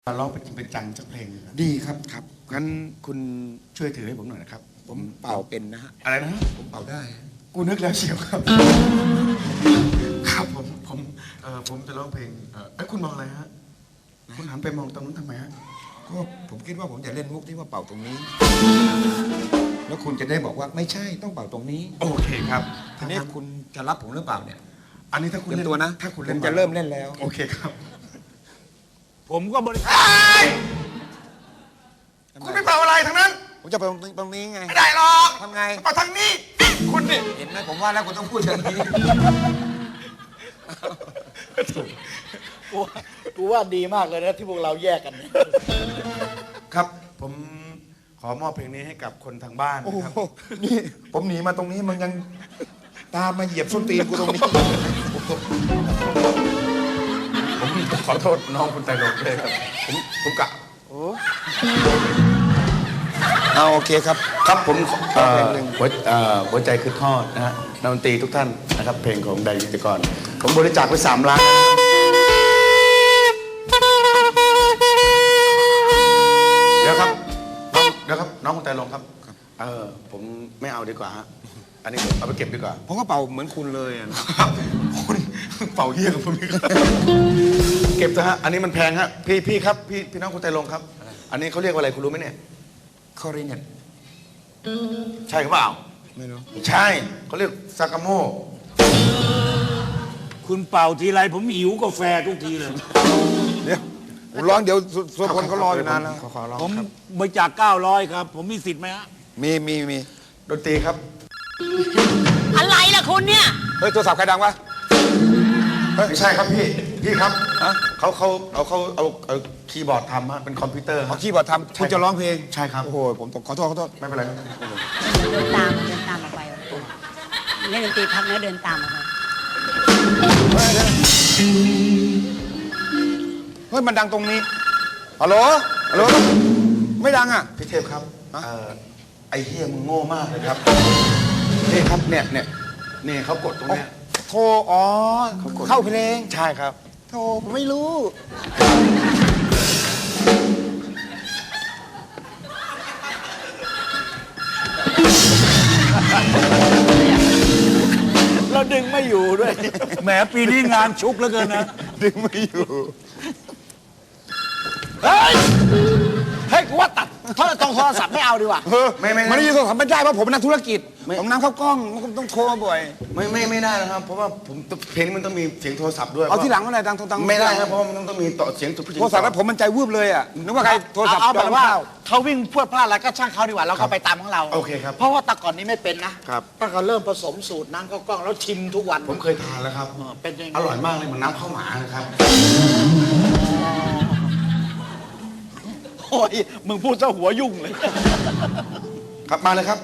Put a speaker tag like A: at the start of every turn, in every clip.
A: มาร้องเป็นจริงเป็นจังจากเพลงครับ
B: ดีครับครับงั้นคุณ
A: ช่วยถือให้ผมหน่อยนะครับ
B: ผมเป่าเป็นนะฮะ
A: อะไรนะ
B: ผมเป่าได้
A: กูนึกแล้วเชียวครับ ครับผมจะร้องเพลงคุณมองอะไรฮะคุณหันไปมองตรงนู้นทำไมฮะ
B: ก็ผมคิดว่าผมจะเล่นมุกที่ว่าเป่าตรงนี้ แล้วคุณจะได้บอกว่าไม่ใช่ต้องเป่าตรงนี้
A: โอเคครับ
B: ทีนี้คุณจะรับผมหรือเปล่าเนี่ย
A: อันนี้ถ้าคุณ
B: เตรียมตัวนะ
A: ถ้าคุณ
B: ผ
A: เล่น
B: มจะเริ่มเล่นแล้ว
A: โอเคครับ
C: ผมก็บริ
A: คุณไม่เป่าอะไรทั้งนั้น
B: ผมจะเป่าตรงนี้ไง
A: ไม่ได้หรอก
B: ทำไง
A: เป่าทางนี้คุณนี่
B: เห็นไหมผมว่าแล้วคุณต้องพูดอย่างนี้
C: กูว่าดีมากเลยนะที่พวกเราแยกกันเนี่ย
A: ครับผมขอมอบเพลงนี้ให้กับคนทางบ้าน
B: โอ้
A: นะครับ
B: โหนี่ผมหนีมาตรงนี้มันยังตามมาเหยียบส้นตีนกูตรงนี้
A: ผมขอโทษน้องคุณไตรรงค์ด้วยครับผมกะ
B: เอาโอเคครับ
A: ครับผม
B: เพลงหนึ่ง
A: หัวใจคือทอดนะฮะนักดนตรีทุกท่านนะครับเพลงของไดวิจิกรผมบริจาคไป3 ล้านเดี๋ยวครับน้องคุณไตรรงค์ครับผมไม่เอาดีกว่าฮะอันนี้ผมเอาไปเก็บดีกว่า
B: ผมก็เป่าเหมือนคุณเลยอะนะ
A: คุณเป่าเยี่ยกับผมอีกครับเก็บเถอะฮะอันนี้มันแพงฮะพี่ครับพี่น้องคุณไตรรงค์ครับ อันนี้เขาเรียกว่าอะไรคุณรู้ไหมเนี่ย
B: คอริเนต
A: ใช่หรือเปล่า
B: ไม่รู้
A: ใช่เขาเรียกซากาโม
C: คุณเป่าทีไรผมหิวกาแฟทุกทีเลย
B: เดี๋ยวผมร้องเดี๋ยวส่วนคนเขารออยู่นานแล้ว
A: ขอร้อง
C: ผม
A: ครับ
C: บริจาค900 ครับ ผมมีสิทธิ์ไหมฮะ
B: มี
A: ดนตรีครับ
D: อะไรล่ะคุณเนี่ย
B: เฮ้ยโทรศัพท์ใครดังวะ
A: ไม่ใช่ครับพี่ครับ
B: ฮะ
A: เขาเอาคีย์บอร์ดทำฮะเป็นคอมพิวเตอร์
B: เอาคีย์บอร์ดทำคุณจะร้องเพลง
A: ใช่ครับ
B: โอ้โหผมขอโทษ
A: ไม่เป็นไรครับ
D: เดินตามออกไปเล่นดนตรีพักแล้วเดินตามออกไป
B: เฮ้ยมันดังตรงนี้ฮัลโหลไม่ดังอ่ะ
A: พี่เทพครับไอ้เฮียมึงโง่มากเลยครับนี่ครับเนี่ยเขากดตรงเนี้ย
B: โทรอ๋อเข้าเพลง
A: ใช่ครับ
B: โทรผมไม่รู้
C: เราดึงไม่อยู่ด้วย แหมปีนี้งานชุกเหลือเกินนะ
B: ดึงไม่อยู่
C: เฮ้ย เฮ้ย กูว่าตัดโทรศัพท์ไม่เอาดีกว่า
A: ไม่
B: มันไม่ได้โทรศัพท์ไม่ได้เพราะผมเป็นนักธุรกิจผมนำเข้ากล้องมันต้องโทรมาบ่อย
A: ไม่ได้นะครับ เพราะว่าผมเพลงนี้มันต้องมีเสียงโทรศัพท์ด้วย
B: เอาที่หลังเมื่อไหร่ดังโทรตัง
A: ไม่ได้ครับเพราะว่ามันต้องมีต่อเสียงผู้หญิง
B: โทรศัพท์แล้วผมมันใจวืบเลยอ่ะนึกว่าใครโทรศัพท์
C: เอาแบบว่า
B: เข้
C: เขาวิ่งพรวดพลาดแล้วก็ช่างเขาดีกว่าเราก็ไปตามของเรา
A: โอเคครับ
C: เพราะว่าแต่ก่อนนี้ไม่เป็นนะครับ ตั้งแต่เริ่มผสมสูตรน้ำข้าวกล้องแล้วชิมทุกวัน
A: ผมเคยทานแล้วครับ
C: เป็นยังไง
A: อร่อยมากเลยเหมือนน้ำข้าวหมานะครับ
C: โอ้ยมึงพูดซะหัวยุ่งเลย
A: ครับมาเลยครับ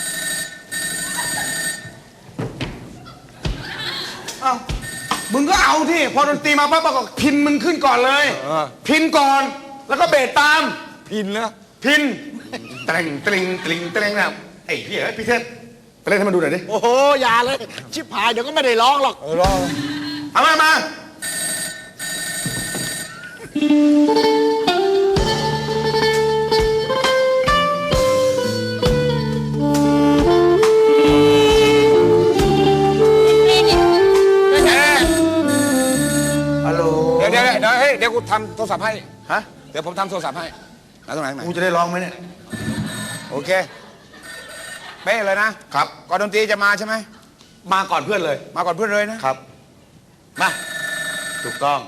A: เอ้ามึงก็เอาที่พอดนตรีมาปั๊บก็พินมึงขึ้นก่อนเลย พินก่อนแล้วก็เบสตาม
B: พินแล้ว
A: พินเตรงนะไอ้เหี้ยพี่เทพไปเล่นให้มันดูหน่อยดิ
C: โอ้โหอย่าเลย ชิบหายเดี๋ยวก็ไม่ได้ร้องหรอก
B: รอ
A: เอามาฮัลโหล
B: เดี๋ยวกูทำโทรศัพท์ให้
A: ฮะ
B: เดี๋ยวผมทำโทรศัพท์ให้แล้วตรงไหน
A: กูจะได้ร้องไหมเนี่ย
B: โอเคเป๊ะเลยนะครับ ก่อนดนตรีจะมาใช่ไหม
A: มาก่อนเพื่อนเลย
B: มาก่อนเพื่อนเลยนะครับ
A: มาถูกต้อง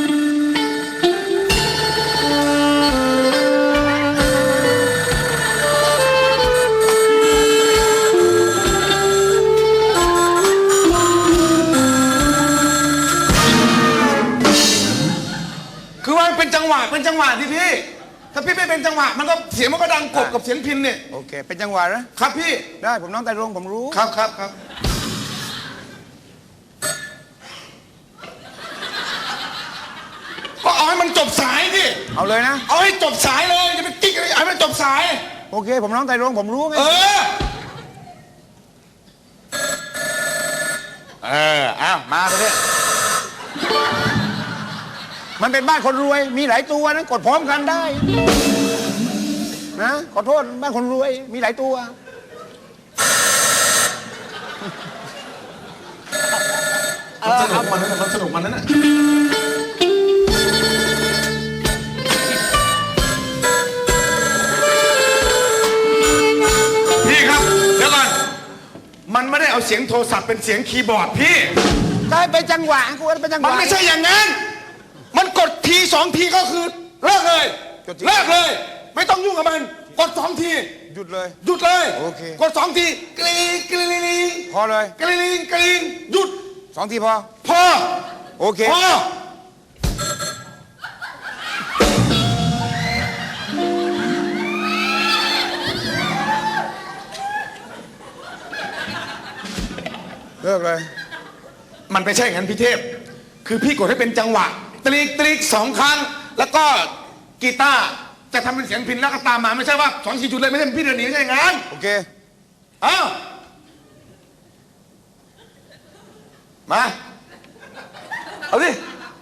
A: คือว่ามันเป็นจังหวะที่พี่ ถ้าพี่ไม่เป็นจังหวะมันก็เสียงมันก็ดังกบกับเสียงพินเนี่ย
B: โอเค เป็นจังหวะนะครับ
A: พี่
B: ได้ผมน้องไตรรงค์ผมรู้
A: ครับก็เอาให้มันจบสายดิ
B: เอาเลยนะ
A: เอาให้จบสายเลยจะไปติ๊กอะไรเอาให้มันจบสาย
B: โอเค ผมน้องไตรรงค์ผมรู้ไง
A: อ้าวมาไปเนี่ย
B: มันเป็นบ้านคนรวย มีหลายตัวนะกดพร้อมกันได้นะขอโทษบ้านคนรวยมีหลายตัว
A: มันสนุกมันนั่นน่ะพี่ครับเดี๋ยวก่อนมันไม่ได้เอาเสียงโทรศัพท์เป็นเสียงคีย์บอร์ดพี่
B: ได้ไปจังหวะกูว่าไปจังห
A: มัน
B: วะ
A: ไม่ใช่อย่างนั้น มันกดทีสองทีก็คือเลิกเลย
B: กดที
A: เลิกเลย ไม่ต้องยุ่งกับมัน กดสองที
B: หยุดเลย
A: หยุดเลย
B: โอเค
A: กดสองทีกรี๊งกรี๊งกรี๊ง
B: พอเลย
A: กรี๊งกรี๊งหยุด
B: 2 ทีพอ
A: พอ
B: โอเค
A: พอ
B: เลิกเลย
A: มันไม่ใช่อย่างนั้นพี่เทพ คือพี่กดให้เป็นจังหวะตรีกตรีก2 ครั้ง แล้วก็กีตาร์จะทำเป็นเสียงพินแล้วก็ตามมาไม่ใช่ว่า2 4 จุดเลยไม่ใช่พี่เดินหนีไม่ใช่อย่างนั้น
B: โอเค
A: อ้าวมาเอาดิ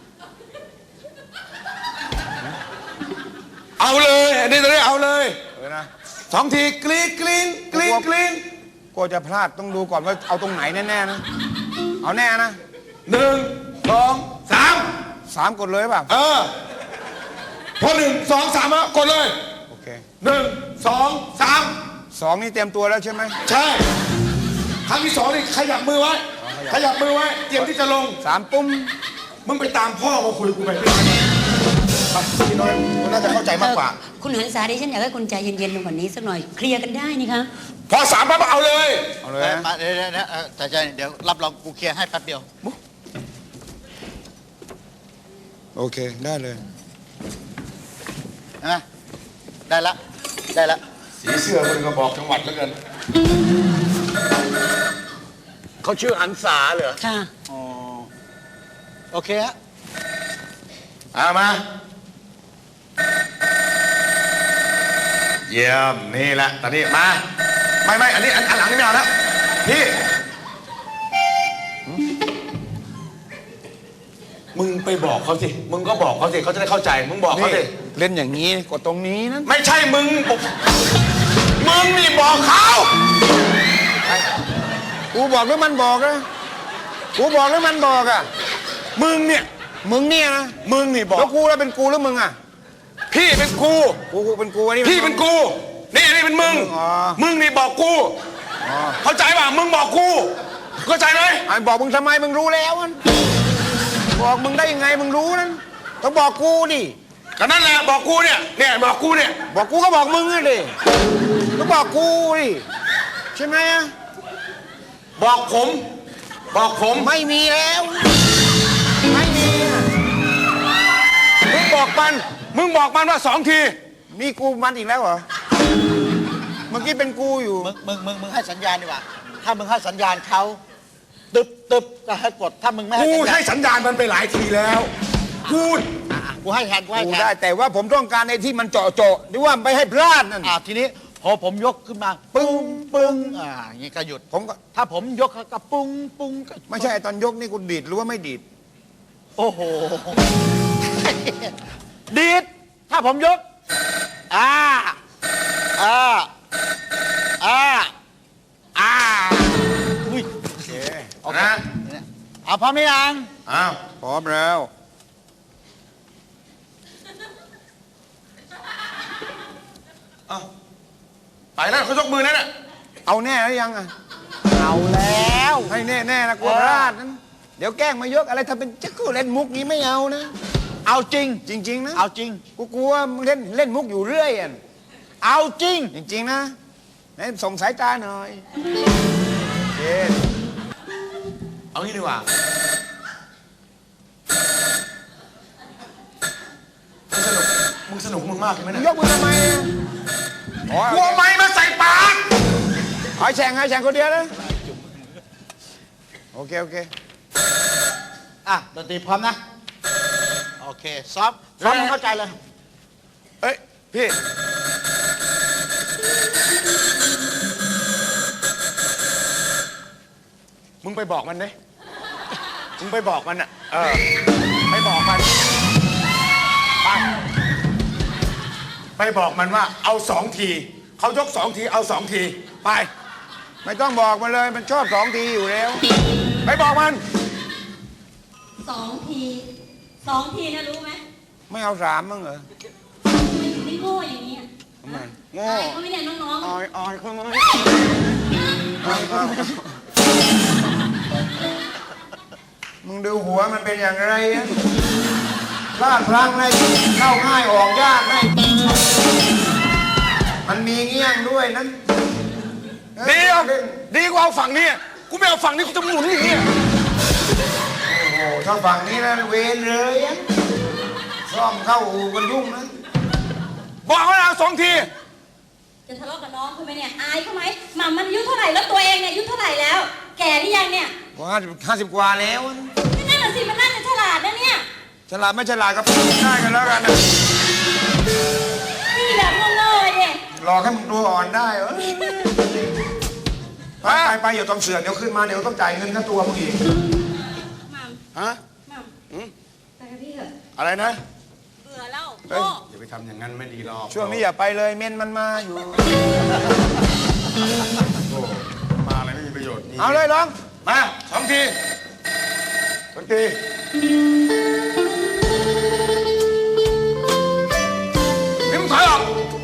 A: เอาเลยอันนี้จะได้เอาเลย
B: เลยนะ
A: 2 ทีกรี๊งกรี๊งกรี๊งกรี๊ง
B: กลัวจะพลาดต้องดูก่อนว่าเอาตรงไหนแน่ๆนะ เอาแน่นะ
A: 1 2 3
B: 3 กดเลยเปล่า
A: พอ1 2 3แล้วกดเลย
B: โอเค
A: 1 2 3
B: 2 นี่เตรียมตัวแล้วใช่ไหม
A: ใช่ครั้งที่2นี่ขยับมือไว้ ขยับมือไว้เตรียมที่จะลง
B: 3 ปุ้ม
A: มึงไปตามพ่อมาคุยกูไปพี่น้อยพี่น้อยมึงน่าจะเข้าใจมากกว่า
D: คุณหันษาดิฉันอยากให้คุณใจเย็นๆลงกว่านี้สักหน่อยเคลียร์กันได้นี่คะ
A: พอ3ปั๊บเอาเลย
B: เอาเลยนะ
C: มาเดี๋ยวใจเดี๋ยวรับรองกูเคลียร์ให้แป๊บเดียว
B: โอเค ได้เลย
C: นะได้ละได้ละ
A: สีเสื้อมึงก็บอกจังหวัดแล้วกันเขาชื่อหันษาเหรอ
D: ค่ะ
C: อ๋อโอเคฮะ
A: มาเยี่ยมนี่แหละตอนนี้มาไม่อันนี้อันหลังนี่ไม่เอาแล้วพี่มึงไปบอกเขาสิมึงก็บอกเขาสิเขาจะได้เข้าใจมึงบอกเขาสิ
B: เล่นอย่างนี้กดตรงนี้นะ
A: ไม่ใช่มึงนี่บอกเขา
B: กูบอกหรือมันบอกนะกูบอกหรือมันบอกอ่ะ
A: มึงเนี่ย
B: มึงเนี่ยนะ
A: มึงนี่บอก
B: แล้วกูแล้วเป็นกูหรือมึงอ่ะ
A: พี่เป็นกู
B: กูเป็นกูอันนี้
A: พี่เป็นกูนี่เป็นมึง
B: อ๋อ
A: มึงนี่บอกกู
B: อ๋อ
A: เข้าใจป่ะมึงบอกกูเข้าใจไหม
B: ไอ้บอกมึงทำไมมึงรู้แล้วมันบอกมึงได้ยังไงมึงรู้นั้นต้องบอกกูดิ
A: ก็นั่นแหละบอกกูเนี่ยบอกกูเนี่ย
B: บอกกูก็บอกมึงอ่ะดิต้องบอกกูดิใช่ไหมอ่ะ
A: บอกผม
B: ไม่มีแล้วไม่มีอะ
A: มึงบอกมันว่า2 ที
B: นี่กูมันอีกแล้วเหรอเมื่อกี้เป็นกูอยู่
C: มึงให้สัญญาณดีกว่าถ้ามึงให้สัญญาณเขาตึบก็ให้กดถ้ามึงไม่ให้
A: กู
C: สัญญา
A: ให้
C: ณ
A: สัญญาณมันไปหลายทีแล้วพูด
C: กูให้แทนกูให้
B: กู
C: แท
B: ได้
C: น
B: แต่ว่าผมต้องการในที่มันเจาะหรือว่าไม่ให้พลาดนั่น
C: ทีนี้พอผมยกขึ้นมาปึ้งอย่างนี้ก็หยุด
B: ผมก็
C: ถ้าผมยกก็ปุ้งก็
B: ไม่ใช่ตอนยกนี่กูดีดหรือว่าไม่ดีด
C: โอ้โห ดีดถ้าผมยกอุ้ย
A: นะ
C: เอาพร้อมหรือยัง
A: อ้าว
B: พร้อมแล้ว
A: ไปแล้วเขายกมือนั่นน่ะ
B: เอาแน่หรือยังอ่ะ
C: เอาแล้ว
B: ให้แน่ๆนะกลัวพลาดนั้นเดี๋ยวแกล้งมายกอะไรถ้าเป็นจะกูเล่นมุกนี้ไม่เอานะ
C: เอาจริง
B: จริง ๆ นะ
C: เอาจริง
B: กูกลัวมึงเล่นมุกอยู่เรื่อยอ่ะ
C: เอาจริง
B: จริง ๆ นะไหนส่งสายตาหน่อยเย็น
A: เอางี้ดีกว่ามึงสนุกมึงมากใช่ไหม
B: มึง
A: เนี่ย
B: ยกมือทำไมอะอ๋อก
A: ลัวไม้มาใส่ปาก
B: ให้แข่งคนเดียวนะโอเค
C: ดนตรีพร้อมนะ โอเคซ้อมให้เข้าใจเลย
A: เอ้ยพี่มึงไปบอกมันดิมึงไปบอกมันอ่ะไปบอกมันไปบอกมันว่าเอา2 ทีเขายก2 ทีเอา2 ทีไป
B: ไม่ต้องบอกมันเลยมันชอบ2 ทีอยู่แล้ว
A: ไปบอกมัน
D: 2 ที2 ทีนะรู้ไหม
B: ไม่เอา3มั้งเหรอ
D: ไม่ถึงได้โง่อย่างนี้ย
B: ทำไม
D: อายเขาไม่เนี่ยน้อง
B: ออยเขาไหมมึงดูหัวมันเป็นอย่างไรอะพลาดพลั้งเลยเข้าง่ายออกยากได้มันมีเงี้ยงด้วยนั้น
A: ดีอ่ะดีกว่าเอาฝั่งนี้กูไม่เอาฝั่งนี้กูจะหมุนอย่างนี้
B: โอ้โหถ้าฝั่งนี้นะเวรเลยอะซ่อมเข้าอู่กันยุ่งนะ
A: บอกว่าเอา2 ที
D: ๆจะทะเลาะกับน้องเขาไหมเนี่ยอายเขาไหมหม่ำมันอายุเท่าไหร่แล้วตัวเองเนี่ยอายุเท่าไหร่แล้ว แก่หรือยังเนี่ย
B: ว่า50 กว่าแล้วนะ
D: นั่นน่ะสิมันน่าจะฉลาดนะเนี่ย
B: ฉลาดไม่ฉลาดก็พูดได้กันแล้วกันนะ
D: นี่แบบโง่ๆเนี่ย
B: หลอกให้มึงตัวอ่อนได้เหรอไปอย่าต้องเสือกเดี๋ยวขึ้นมาเดี๋ยวต้องจ่ายเงินค่าตัวมึงอีก
D: หม่
A: ฮะ
D: ำหม่ำไปกับพี่เถอะ
A: อะไรนะ
D: เบื่อแล้ว
A: เฮ้ย
D: โง่
A: อย่าไปทำอย่างนั้นไม่ดีหรอก
B: ช่วงนี้อย่าไปเลยเมนมันมาอยู่
A: โอ้มาอะไรไม่มีประโยชน์
B: เอาเลยน้อง
A: มา2 ที2 ทีนี่มึงถอยออก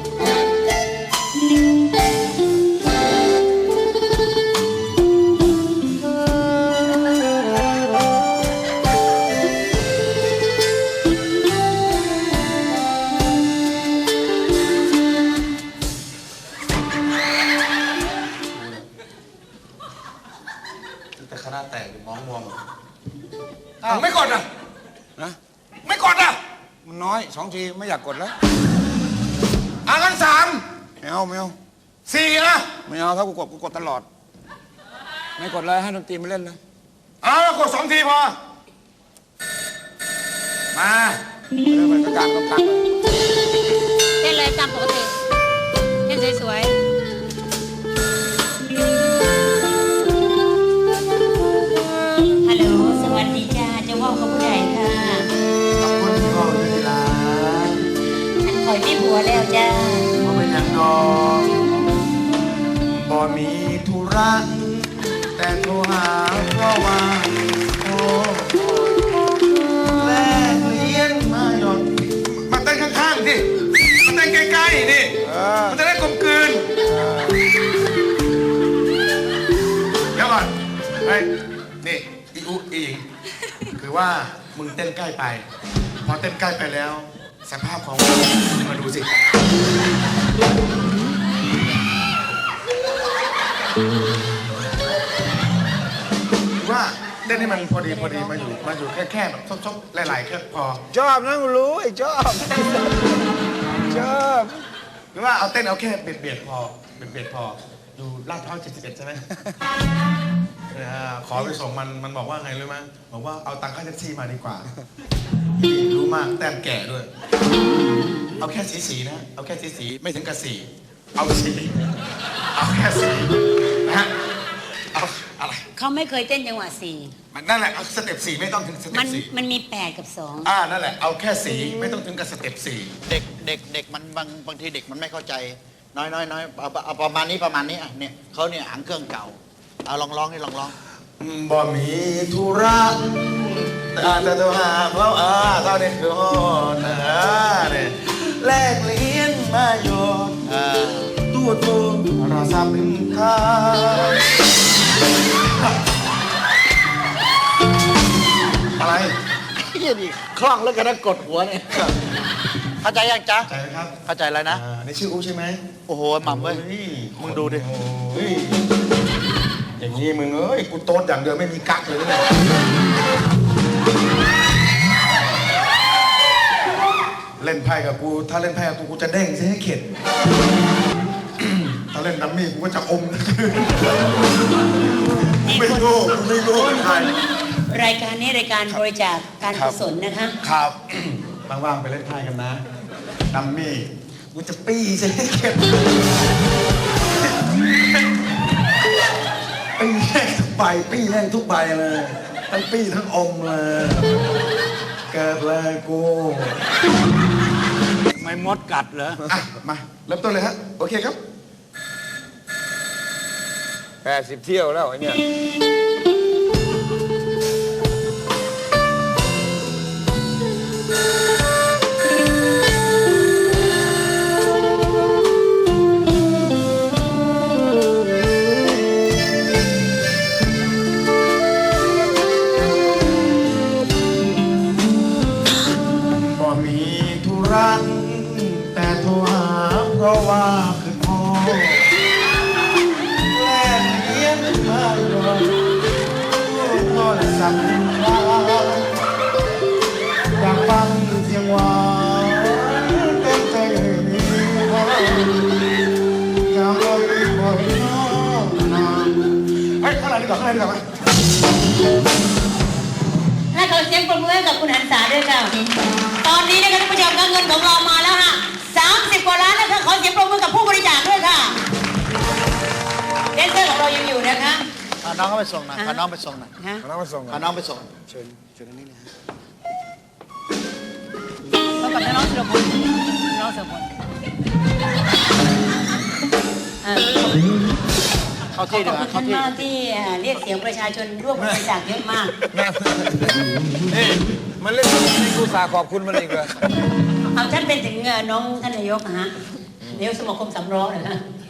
A: แต่คณะแตกมองมองไม่กดอ่ะ
B: นะ
A: ไม่กดอ่ะ
B: มันน้อย2 ทีไม่อยากกดแล้ว
A: งั้น
B: ไม่เอาไม่เอา
A: 4นะ
B: ไม่เอาถ้ากูกดตลอด ไม่กดเลยให้ดนตรีมาเล่นเลย
A: กด2 ทีพอมา
B: เริ่มไปกลางเลย
D: เต้นเลยตามปกติเต้นสวยๆฮัลโหลสวัสดีจ้าจะว่าเขาผู้ใหญ่ค่ะ
B: ขอบคุณที่พ่อเวลา
D: อันคอยมีผัวแล้วจ้า
B: พ่อเป็นอย่างน้องบ่มีธุระแต่โทรหาเพราะว่าโอ้แลกเลี้ยงมาหยด
A: มาเต้นข้างๆดิมาเต้นใกล้ๆดิมันจะได้กลมกลืนเดี๋ยวก่อนเฮ้ยนี่อีอุอีอิงคือว่ามึงเต้นใกล้ไป พอเต้นใกล้ไปแล้ว สภาพของมึงมาดูสิว่าเต้นให้มันพอดีมาอยู่แค่แบบซบๆหลายๆแค่พอ
B: ชอบนะกูรู้ไอ้ชอบชอบ
A: หรือว่าเอาเต้นเอาแค่เบียดพออยู่ลาดพร้าว71ใช่ไหมขอไปส่งมันบอกว่าไงรู้ไหมบอกว่าเอาตังค่าแท็กซี่มาดีกว่าพี่รู้มากแต้มแก่ด้วย เอาแค่สีนะเอาแค่สีไม่ถึงกับสีเอาเอาแค่สีนะฮะเอาอะไร
D: เขาไม่เคยเต้นจังหวะสี่
A: มันนั่นแหละเอาสเต็ป4ไม่ต้องถึงสเต็
D: มั
A: ป
D: น
A: 4
D: มันมี8 กับ 2
A: นั่นแหละเอาแค่สีไม่ต้องถึงกับสเต็ป4
C: เด็กมันบางทีเด็กมันไม่เข้าใจน้อยเอาประมาณนี้อ่ะเนี่ยเขาเนี่ยหางเครื่องเก่าเอาลองให้ลอง
A: บ่มีธุระแต่ตัวหาเพราะเท่านี้คือโหดเนี่ยแลกเลี้ยงมาโยนตู้เราทราบเป็นข้าอะไร
C: เฮียดิคล่องแล้วกันนะกดหัวเนี่ยเข้าใจยังจ๊ะ
A: ใจไหมครับ
C: เข้าใจแล้วนะ
A: นี่ชื่ออูใช่ไหม
C: โอ้โหหม่ำเว้ย มึงดูดิ
A: เฮ้ยอย่างนี้มึงเอ้ยกูโต๊ดอย่างเดียวไม่มีกักเลยเนี่ยเล่นไพ่กับกูถ้าเล่นไพ่กับกูจะเด้งซะให้เข็ด ถ้าเล่นดัมมี่กูก็จะอม ไม่รู้เป็นใคร
D: รายการนี้รายการบริจาคการกุศลนะคะ
A: ครับ ว่างๆไปเล่นไพ่กันนะดัมมี่กูจะปี้ซะให้เข็ด ปี้แห้งทุกใบปี้แห้งทุกใบเลยทั้งปี้ทั้งอมเลยเกิดเลยกู
E: ไม่มดกัดเหรอ
A: อ่ะ มาเริ่มต้นเลยฮะ โอเคครับ
B: 80 เที่ยวแล้วไอ้เนี่ย
A: บ่มีธุระแต่โทรหาเพราะว่าคือพ่อแล่เลี้ยงมาดอนโทรศัพท์ว่าอยากฟังเสียงหวานเต็มใจอยากลอยบ่อยน้องนานเฮ้ยข้างในดีกว่าข้างในดีกว่าไหม
D: ให้ขอเสียงปรบมือให้กับคุณหันษาด้วยค่ะ ตอนนี้นะคะท่านผู้ชมคะเงินของเรามาแล้วค่ะ30 กว่าล้านนะคะขอเสียงปรบมือกับผู้บริจาคด้วยค่ะเดนเซอร์ของเรายังอยู่นะคะ
C: พาน้องเขาไปส่งหน่อยพาน้องไปส่งหน่อย
D: ฮะ
B: เอาน้ำมาส่ง
C: พาน้องไปส่ง
D: พบกับน้องสุรพลน้องสุรพล
C: เข้า
D: ขอ
C: ที่
D: บ
C: ดีก
D: คุ
C: ว่า
D: ณ
C: เข้า
D: ท่าน
C: ที่
D: มากที่เรียกเสียงประชาชนร่วมบริจาคเยอะมาก
B: นี่มันเล่นในกูสาขอบคุณมันอีกเลย
D: เอาท่านเป็นถึงน้องท่านนายกนะฮะนายกสมาคมสำรองเหรอฮะ